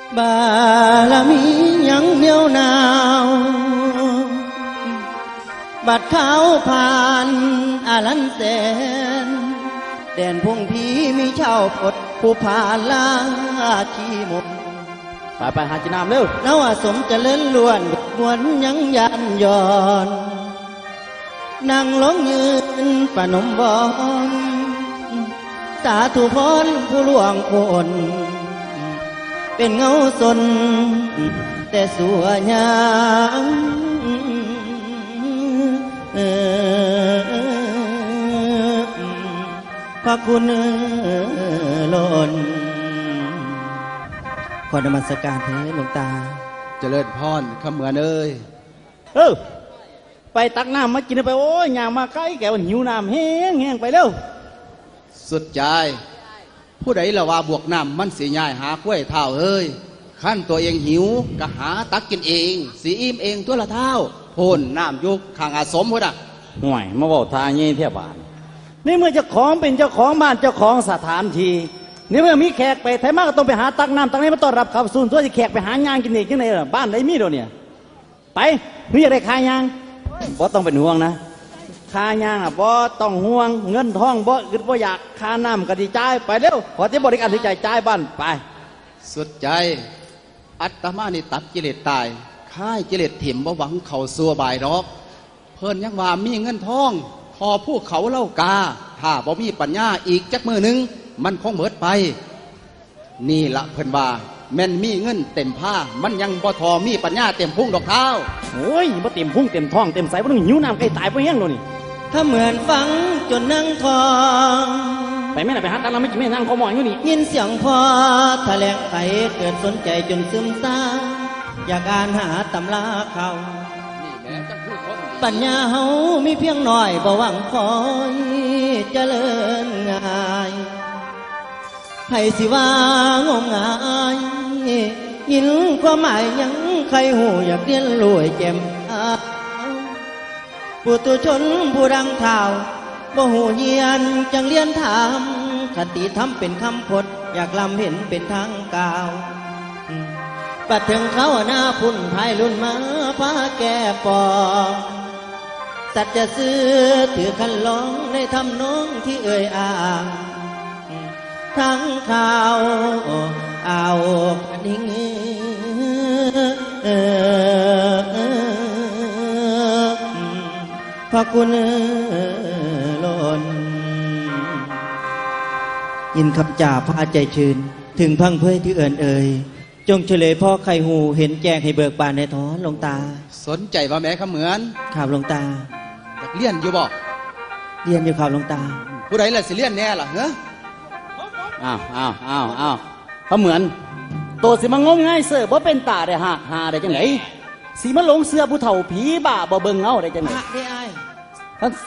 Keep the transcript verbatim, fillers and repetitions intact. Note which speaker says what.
Speaker 1: บารมียังเหนียวหนาวบัดเขาผ่านอาลันแสนแดนพงพีมีเช่าพดผู้ผ่านลาชีมน
Speaker 2: ไปไปหาจีนามเร็วน
Speaker 1: วสมเจริญล้วนมวนยังยันย้อนนั่งลงยืนประนมบอนสาธุพรผู้ล่วงคนเป็นเงาสนแต่สัวยางพระคุณล้นขอนมัสการเทหลวงตา
Speaker 3: เจริญพรขเหมือนเอ้ย
Speaker 2: เออไปตักน้ำมากินไปโอ้ยยางมาใกล้แกวันหิวน้ำแห้งแห้งไปเร็ว
Speaker 3: สุดใจผู้ใดละว่าบวกน้ำมันสีง่ายหากล้วยเท่าเอ้ยขั้นตัวเองหิวก็หาตักกินเองสีอิ่มเองตัวละเท่าพ่นน้ำยุกข้างอาสมพุ่นอ่ะ
Speaker 2: ห่วยมาบอกทางยี่เทียบานนี่เมื่อเจ้าของเป็นเจ้าของบ้านเจ้าของสถานที่นี่เมื่อมีแขกไปไทยมากก็ต้องไปหาตักน้ำตักนี้มาต้อนรับขับสูนตัวที่แขกไปหางานกินเองที่ไหนล่ะบ้านไหนมีเดี๋ยวนี้ไปมีอะไรขายยางบ่ต้องเป็นห่วงนะขายางอ่ะบ่ต้องห่วงเงินทองบ่อึดบ่อยากค่าน้ำก็ดีจ่ายไปเร็วขอที่บริการที่ใจจ่ายบ้านไป
Speaker 3: สุดใจอัตมานี่ตัดกิเลสตายค่ายกิเลสถิ่มบ่หวังเข่าซัวบายดอกเพิ่นยังว่ามีเงินทองพอผู้เขาเล่ากาถ้าบ่มีปัญญาอีกจักมือหนึ่งมันคงเบิดไปนี่ละเพิ่นว่าแม่นมีเงินเต็มผ้ามันยังบ่ทอมีปัญญาเต็มพุ่งดอกเท้า
Speaker 2: โอ้ยบ่เต็มพุ่งเต็มท้องเต็มใสบ่ต้องหิวน้ำใกล้ตายบ่แห้งเลยนี่
Speaker 1: ถ้าเหมือนฟังจนนั่งทอง
Speaker 2: ไปแม่น่ะไปหาตังค์เราไม่กินไม่นั่งคอหมอนอยู่นี่
Speaker 1: ยินเสียงพอแถลงไขเกิดสนใจจนซึมซาอยากอ่านหาตำราเขาปัญญาเฮามีเพียงหน่อยบ่หวังคอยเจริญง่ายไผสิว่างมงายยินความหมายยังใครหูอยากเรียนรวยแจ่มปุถุชนผู้ดังข่าวบ่หูเยียนจังเรียนถามคติธรรมเป็นคำพจน์อยากลำเห็นเป็นทางกล่าวปัดถึงเขาหน้าพุ่นภายรุ่นมาพาแก่ปองสัตว์จะซื้อถือคันลองในทำน้องที่เอ่ยอ่างทั้งข่าวเอากระดิ่งพระคุณล้นยินคำจ่าพาใจชื่นถึงพังเพยที่เอิญเอ่ยจงเฉลยพ่อไข่หูเห็นแจงให้เบิกบานในท้อนหลวงตา
Speaker 3: สนใจว่าแม่ขเหมือน
Speaker 1: ข่าวหลวงตา
Speaker 3: อยากเลี้ยนอยู่บ่
Speaker 1: เรียนอยู่ข่าวหลวงตา
Speaker 3: ผู้ใดล่ะสิเลี้ยนแน่ล่ะเหรอ
Speaker 2: อ้าวอ้าวอ้าวอ้าวเขาเหมือนโตสิมางมง่ายเสือบ่เป็นตาได้หักหาได้จังไหนสีมาลงเสื้อผู้เฒ่าผีบ้าบ่เบิ่งเงาได้จังไหน
Speaker 1: ได้ไอ้